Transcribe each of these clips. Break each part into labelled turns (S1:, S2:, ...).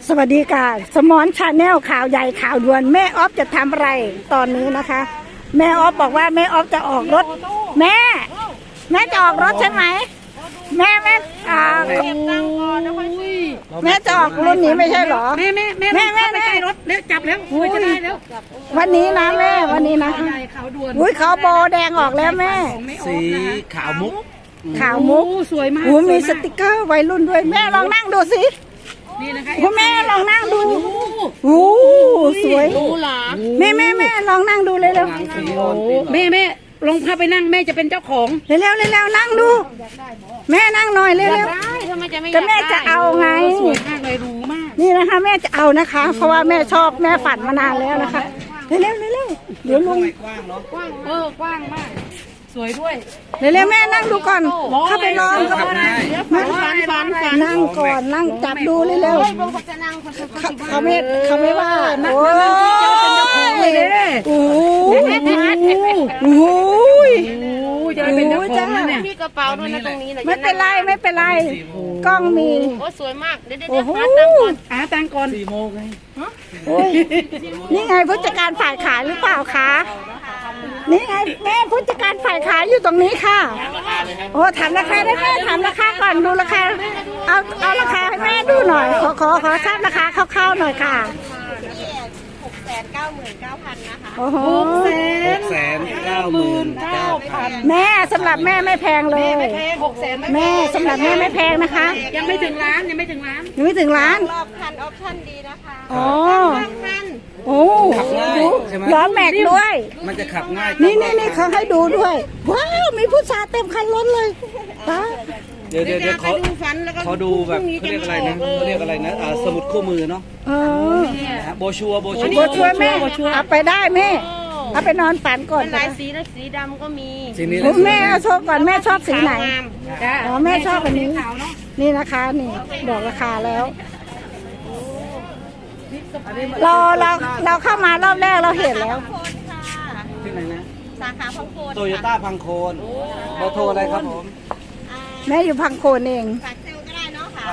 S1: สวัสดีค่ะสมอนชาแนลข่าวใหญ่ข่าวด่วนแม่ออฟจะทำอะไรตอนนี้นะคะแม่ออฟบอกว่าแม่ออฟจะออกรถแม่จะออกรถใช่ไหมแม่จะออกรุ่นนี้ไม่ใช่หรอแม่ไปใกล้รถเร็วจับแล้วจะได้แล้ววันนี้นะแม่วันนี้นะอุ้ยเขาโบแดงออกแล้วแม่
S2: สีขาวมุก
S1: สวยมากมีสติกเกอร์วัยรุ่นด้วยแม่ลองนั่งดูสิ
S2: นี่นะคะ
S1: คุณแม่ลองนั่งดูโอ้สวยแม่ลองนั่งดูเลยเร็ว
S2: แม่ลงพาไปนั่งแม่จะเป็นเจ้าของ
S1: เร็วนั่งดูแม่นั่งหน่อยเร็วก็แม่จะเอาไง
S2: สวยมากเลยรู้มาก
S1: นี่นะคะแม่จะเอานะคะเพราะว่าแม่ชอบแม่ฝันมานานแล้วนะคะเร็วเดี๋ยวลง
S2: กว้างเนาะกว้างมากสวยด้วย
S1: เร็วแม่นั่งดูก่อนเข้าไปนอนก็ได้นั่งก่อนนั่งจับดูเร็วเขาไม่ว่าโอ้ย
S2: จะเป็นเจ้าของนะเนี่ย
S3: มีกระเป๋าด้วยนะตรงนี้นะ
S1: ไม่เป็นไรกล้องมี
S3: โอ้สวยมากเดี๋ยว
S2: ตังก่อน
S1: 4 โมงไงนี่ไงผู้จัดการฝ่ายขายหรือเปล่าคะนี่ไงแม่ผู้จัดการฝ่ายขายอยู่ตรงนี้ค่ะโอ้ถามราคาได้แม่ถามราคาก่อนดูราคาเอาราคาให้แม่ดูหน่อยขอทราบราคาคร่าวๆหน่อยค่ะ
S3: 699,000นะคะ
S1: โอ้โห
S2: 699,000
S1: แม่สำหรับแม่ไม่แพงเลยแม่สำหรับแม่ไม่แพงนะคะ
S2: ยังไม่ถึงล้าน
S1: รอบ
S3: คันออปชั่นดีนะคะ
S1: อ๋อโอ้ล้อแม็กด้วย
S2: มันจะขับง่าย
S1: นี่เขาให้ดูด้วยว้าวมีผู้ชายเต็มคันรถเลย
S2: เดี๋ยวขอดูแบบเขาเรียกอะไรนะสมุดคู่มือเนาะโบชัว
S1: แม่เอาไปได้แม่เอาไปนอนฝันก่อน
S3: ลายสีและสีดำก็มี
S1: แม่โชว์ก่อนแม่ชอบสีไหนอ๋อแม่ชอบอันนี้นี่นะคะนี่บอกราคาแล้วเราเข้ามารอบแรกเราเห็นแล้ว
S2: ที่ไหนนะ
S3: สาขาพังโคน
S2: โตโยต้าพังโคนเบอร์โทรอะไรครับผม
S1: แม่อยู่พังโคนเอง
S3: ฝากเซลก็ได้เนาะค่ะ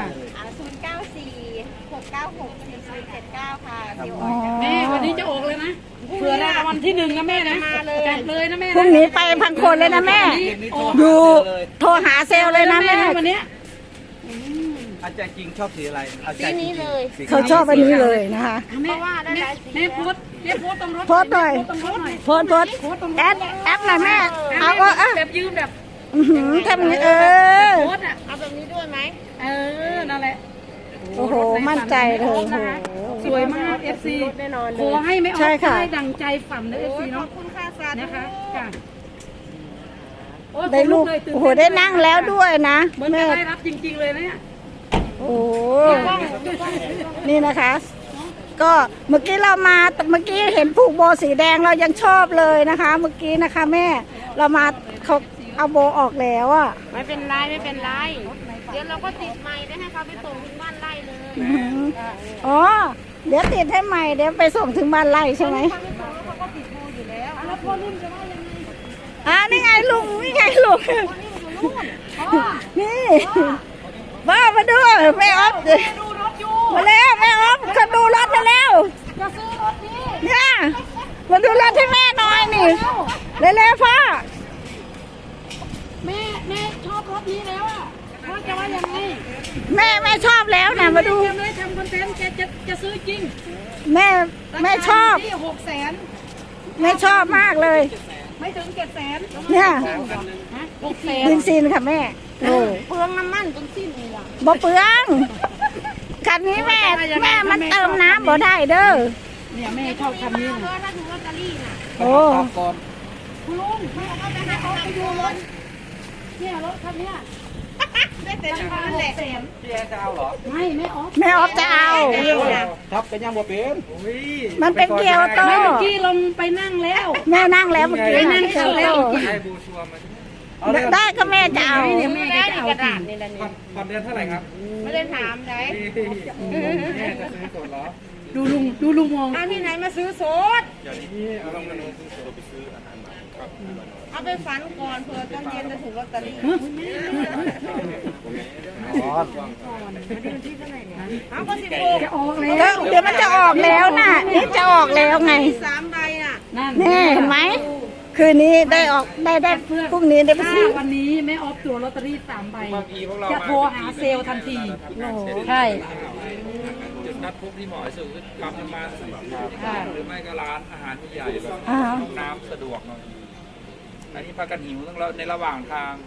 S3: 094-696-4079ค่ะ
S2: แม่วันนี้จะออกเลยนะเผื่อได้วันที่1นะแม่นะจัดเลยนะแม่
S1: พรุ่งนี้ไปพังโคนเลยนะแม่ดูโทรหาเซลเลยนะแม่
S2: วันนี้อาจารย์จริงชอบสีอะไร
S3: สีนี้เลย
S1: เขาชอบอันนี้เลยนะคะ
S3: เพราะว่าได้หลายสี
S2: แม่โพสตรงรถ
S1: โพสหน่อยโพสแอปหน่อยแม่เอา
S2: แบบยืมแบบ
S1: ทำนี้
S3: โพสอ่ะเอาแบบนี้ด้วยไหม
S2: นั่นแหละ
S1: โอ้โหมั่นใจเลย
S2: สวยมาก FC
S3: แน่นอน
S2: ขอให้ไม่ออกได้ดังใจฝันนะ FC เนาะ
S3: ขอบคุณค่ะสาธุ
S2: นะคะ
S1: ได้ลูกโอ้โหได้นั่งแล้วด้วยนะ
S2: แม่ได้รับจริงๆเลยเนี่ย
S1: โอ้นี่นะคะก็เมื่อกี้เห็นผูกโบสีแดงเรายังชอบเลยนะคะเมื่อกี้นะคะแม่เรามาเขาเอาโบออกแล้วอ่ะ
S3: ไม่เป็นไรเดี๋ยวเราก็ติดใหม่ได้ให้เขาไปส่งถึงบ้านไร่เลย
S1: อ๋อเดี๋ยวติดให้ใหม่เดี๋ยวไปส่งถึงบ้านไร่ใช่ไหม
S3: เขาก็ติดโบอยู่แล้ว
S2: แล้วพ่อรุ่นจะว่ายังไง
S1: นี่ไงลุงนี่มาดูแม่ออฟมาแล้วแม่ออฟเขาดูรถมาแล้ว
S2: จะซื้อรถนี้
S1: เนี่ยมาดูรถให้แม่หน่อยนี่เร็วๆพ่อ
S2: แม่ชอบรถนี้แล้วอ่ะพ่อจะว่ายังไง
S1: แม่ชอบแล้วนะมาดู
S2: เลยทำคอนเทนต์จะซื้อจริง
S1: แม่ชอบ
S2: 600,000
S1: แม่ชอบมากเลย
S2: ไม่ถึง700,000
S1: เนี่ย
S2: 600,000
S1: ดินซีนค่ะแม่
S3: เปลืองน้ำมันต้นสิ้นเลยอ่ะ
S1: บ่เปลืองคันนี้แม่มันเติมน้ำบ่ได้เด้อ
S2: เนี่ยแม่ชอบคันนี้นะ
S3: ถ้าถูกลอตเตอรี่น่ะ
S1: โอ้
S2: คุณลุงไม่เอาไปให้เขาไปดูรถเนี่ยรถคันนี้
S3: ได้แต่ราคาแหละ
S2: พี่จะเอาเหรอไม่ออฟ
S1: จะเอา
S2: ทับกันยังบ่เป็น
S1: มันเป็นเกียวโต
S2: เมื่อกี้ลงไปนั่งแล้ว
S1: แม่นั่งแล้วเมื่อกี้
S2: นั่งแล้ว
S1: ได้ก็แม่จะเอา
S3: แม่ได้กระดาษนี่แหละนี่
S2: ผ่อนเดือนเท่าไหร่ครับ
S3: ไม่ได้ถามใช่
S2: แม่จะซื้อสดเหรอดูลุงมอง
S3: ที่ไหนมาซื้อสด
S2: อย่างนี้เอาลงมาซื้อสดไปซื้ออาหาร
S3: เอาไปฝันก่อนเผื่อตอนเย็นจะถูกลอตเตอรี่เอาก็16
S1: แล้วเดี๋ยวมันจะออกแล้วน่ะ นี่จะออกแล้วไง
S3: 3 ใบน่ะ
S1: นี่เห็นไหม คืนนี้ได้ออกได้พรุ่งนี้ได้ไปซื้อ
S4: วันนี้แม่ออฟตัวลอตเตอรี่3 ใบ จะโทรหาเซลล์ทันที ใช่
S5: จุดนัดพบที่เหมาะที่สุดคือปั๊มน้ำมันหรือไม่ก็ร้านอาหารใหญ่ๆแบบ
S1: อ่า
S5: ห้องน้ำสะดวกหน่อยอันนี้พากันหิวต้องในระหว่างทาง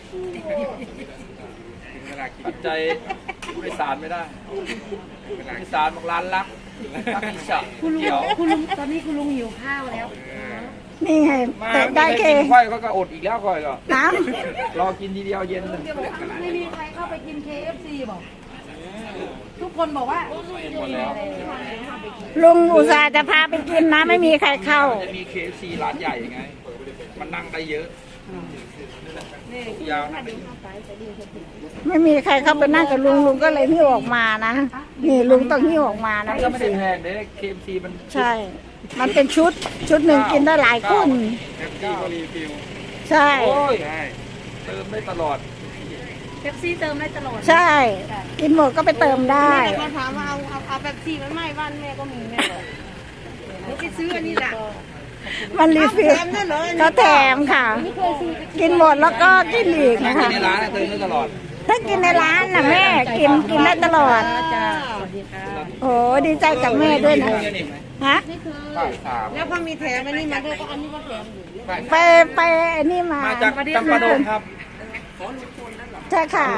S5: ปัจจัยผู้โดยสารไม่ได้ผู้โดยสารบอกร้านรักอิสระ
S4: คุณลุง
S5: เกี่ยว
S4: คุณลุงตอนนี้คุณลุงหิวข้าวแล้ว
S1: นี่ไง
S5: มา
S1: แต่ได้แค่
S5: กินค่อยก็อดอีกแล้วค่อยก็
S1: น้
S5: รอกินทีเดียวเย็นเลย
S4: ไม่มีใครเข้าไปกิน KFC บอก ทุกคนบอกว่า
S5: หมดแล้ว
S1: ำลุงอุตส่าห์จะพาไปกินนะ ไม่มีใครเข้า
S5: จะมี KFC ร้านใหญ่ไง มันนั่งได้เยอะยาวนั่งได้เยอะ
S1: ไม่มีใครเข้าไปนั่งกับลุงลุงก็เลยหิ้วออกมานะ นี่ลุงต้องหิ้วออกมานะ
S5: มันก็ไม่ได้แพงเลย KFC มัน
S1: ใช่ มันเป็นชุดหนึ่งกินได้หลายคน
S5: แท็กซี่ก็รีฟิล
S1: ใช่
S5: โอ้ยเติมได้ตลอด
S4: เป๊ปซี่เติมได้ตลอด
S1: ใช่ กินหมดก็ไปเติมได้
S3: แม่เขาถามว่าเอาแบบ4มันไม่บ้านแม่ก็มีแม่บอกเดี๋ยวไปซื้ออันนี้แหละ
S1: มันรีฟิล
S3: แถมด้วยเหรอ
S1: เขาแถมค่ะ กินหมดแล้วก็กินอีก
S5: ถ้า
S1: นะ
S5: กิน
S1: คะ
S5: ในร้านเติมได้ตลอด
S1: ถ้ากินในร้านน่ะแม่กินได้ตลอด
S4: จ้าสวัสดีค่ะ
S1: โอ้ดีใจกับแม่ด้วยนะฮะ
S5: ป้ายสาม
S3: แล้วพอมีแถมอันนี้มาด้วยก็อันนี้ก็แถมอยู่
S1: ไปอันนี้มา
S5: มาจากจำปาดงครับ
S1: ใช่ค่ะ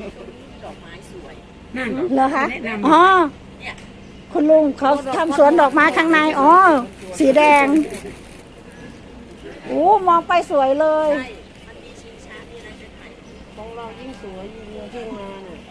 S1: เหรอคะอ๋อคุณลุงเขาทำสวนดอกไม้ข้างในอ๋อสีแดงโอ้มองไปสวยเลย
S3: ของเรายิ่งสวยยิ่งเยอะที่งานอ่ะ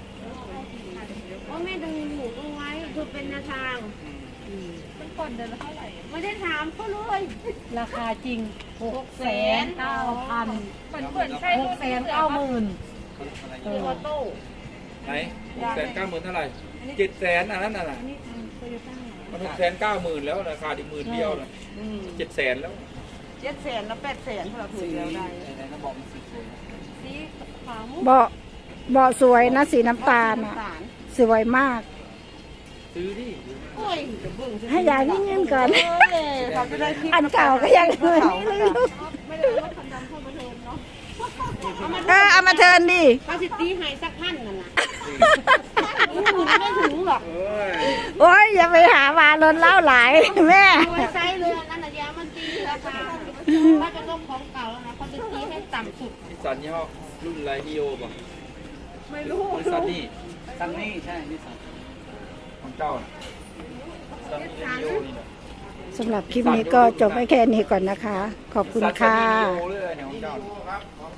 S3: ว่าแม่ดูหมูดูไว้คือเป็นแนวทางมันก่อนเดือนละเท่าไหร่ไม่ได้ถามเขาเลย
S4: ราคาจริง 6,900,000
S3: เหมือนใช่
S4: 690,000
S3: ตัวโต้
S5: ไหน690,000เท่าไหร่700,000อันนั้นน่ะมัน690,000แล้วราคาอีก10,000เดียวนะ700,000แล้ว
S3: 700,000แล้ว800,000เราถูกแล้วได้สีขาวมุก
S1: เบาะสวยนะสีน้ำตาลอ่ะ สวยมาก
S5: ซื้อดิ
S3: โอ้ยจะเบิ่ง
S1: ให้ยายนี่เงินก่อน
S3: เขาจะได้คลิป
S1: อันเก่าก็ยังเลยนี่เลยลูก
S3: ไม่ได้รถคันดำเข้ามาเทินเนาะ
S1: เอามาเทิร์นดิ
S3: เขาสิตีให้สักพันนั่นน่ะไม่ถึงหรอก
S1: โอ้ยอย่าไปหามาลนเล่าหลายแม่
S3: ดูไว้ไซส์เลยอันนั้นน่ะยามันตีราคาถ้าเป็นรถของเก่าแล้วนะเขาจะตีให้ต่ำสุด
S5: นิสสันยี่ห้อรุ่นอะไรดีโอป่ะ
S3: ไม่รู้
S5: นิสสันนี่
S2: ซันนี่ใช่นิสสัน
S5: ของเจ้าน่ะนิสสันดีโอนี่แหละ
S1: สำหรับคลิปนี้ก็จบไปแค่นี้ก่อนนะคะ ขอบคุณค่ะ
S5: นิสสันดีโอเลยเนี่ยของเจ้า